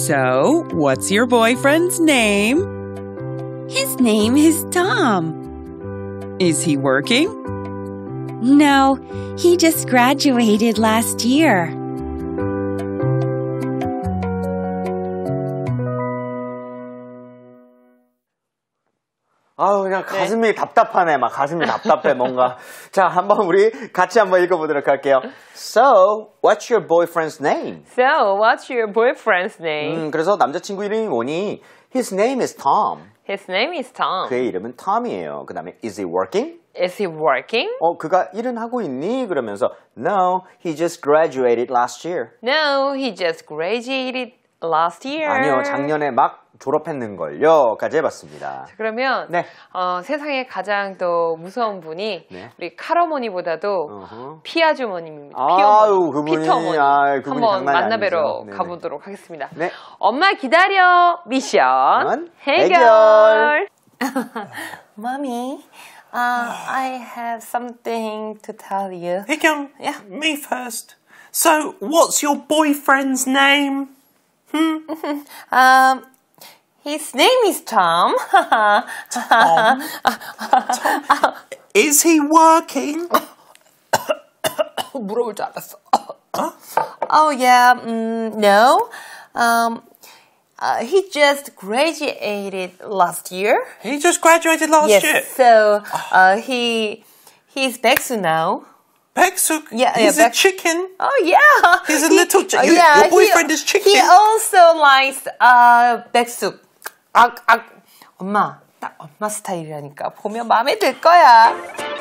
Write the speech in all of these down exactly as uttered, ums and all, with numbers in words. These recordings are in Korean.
So, what's your boyfriend's name? His name is Tom. Is he working? No, he just graduated last year. 아우, 그냥 가슴이 네. 답답하네. 막 가슴이 답답해, 뭔가. 자, 한번 우리 같이 한번 읽어보도록 할게요. So, what's your boyfriend's name? So, what's your boyfriend's name? 음, 그래서 남자친구 이름이 뭐니? His name is Tom. His name is Tom. 그의 이름은 Tom이에요. 그 다음에, is he working? Is he working? 어, 그가 일은 하고 있니? 그러면서, no, he just graduated last year. No, he just graduated last year. 아니요, 작년에 막 졸업했는걸요. 까지 해봤습니다. 자, 그러면 네. 어, 세상에 가장 또 무서운 분이 네. 우리 칼어머니보다도 어허. 피아주머님입니다. 아유, 그분이, 피터 어머니. 아, 그분이 한번 만나뵈러 아니죠. 가보도록 하겠습니다. 네. 엄마 기다려 미션 해결. 해결. Mommy, uh, I have something to tell you. Higyong, yeah, me first. So, what's your boyfriend's name? Hmm? um, his name is Tom. Tom? Tom? Is he working? 물어볼 줄 알았어. Oh yeah, um, no. Um, uh, he just graduated last year. He just graduated last yes, year? so uh, he he's 백수 now. Peksuk? Yeah, He's yeah, a chicken. Oh yeah. He's a he, little chicken. Uh, yeah, Your boyfriend he, is chicken. He also likes uh, 백숙. 아, 아, 엄마, 딱 엄마 스타일이라니까. 보면 마음에 들 거야.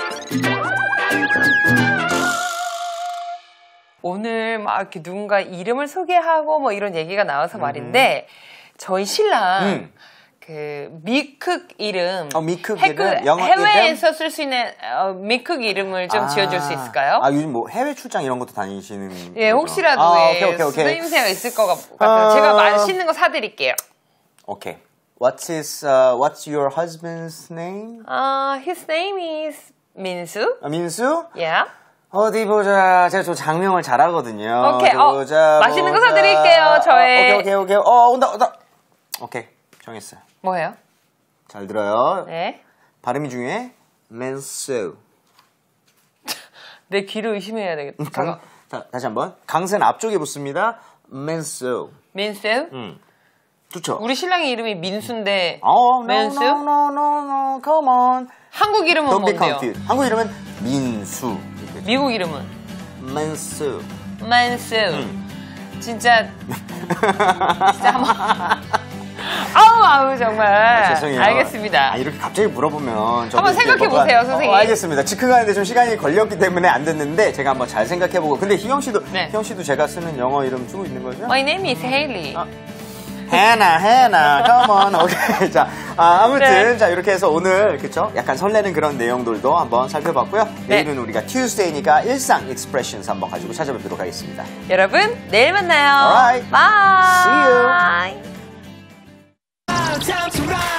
오늘 막 이렇게 누군가 이름을 소개하고 뭐 이런 얘기가 나와서 말인데 저희 신랑 음. 그 미쿡 이름, 어, 미쿡 해외, 이름? 영어 해외에서 이름? 쓸 수 있는 어, 미쿡 이름을 좀 아, 지어줄 수 있을까요? 아, 요즘 뭐 해외 출장 이런 것도 다니시는 예, 혹시라도 아, 예, 오케이, 오케이, 오케이. 쓰임새가 있을 것 같아요. 아, 제가 맛있는 거 사드릴게요. 오케이. What's his, uh, what's your husband's name? Uh, his name is 민수. 아, 민수? Yeah. 어디 보자. 제가 저 장명을 잘하거든요. 오케이. 어디 어, 보자, 맛있는 거 보자. 사드릴게요. 저의. 어, 오케이, 오케이, 오케이. 어, 온다, 온다. 오케이. 정했어요. 뭐예요? 잘 들어요. 네. 발음이 중요해. 민수. 내 귀를 의심해야 되겠다. 잠깐. 자, 다시 한번. 강세는 앞쪽에 붙습니다. 민수. 민수? 음. 좋죠? 우리 신랑의 이름이 민수인데 어, no, 민수? no, no, no, no, come on. 한국 이름은 Don't be 뭔데요? confused. 한국 이름은 민수. 미국 이름은? 민수. 민수. 음. 진짜 진짜 한번 아우 아우 정말 아, 죄송해요. 알겠습니다. 아, 이렇게 갑자기 물어보면 저도 한번 이렇게 생각해 뭔가- 보세요, 선생님. 어, 알겠습니다. 즉흥하는데 좀 시간이 걸렸기 때문에 안 됐는데 제가 한번 잘 생각해보고. 근데 희영 씨도 네. 희영 씨도 제가 쓰는 영어 이름 쓰고 있는 거죠? My name is Haley. 아. 해나 해나 come on. 오케이. 자, 아, 아무튼 네. 자 이렇게 해서 오늘 그쵸? 약간 설레는 그런 내용들도 한번 살펴봤고요. 네. 내일은 우리가 Tuesday니까 일상 expressions 한번 가지고 찾아뵙도록 하겠습니다. 여러분 내일 만나요. Alright. Bye. See you. Time to ride.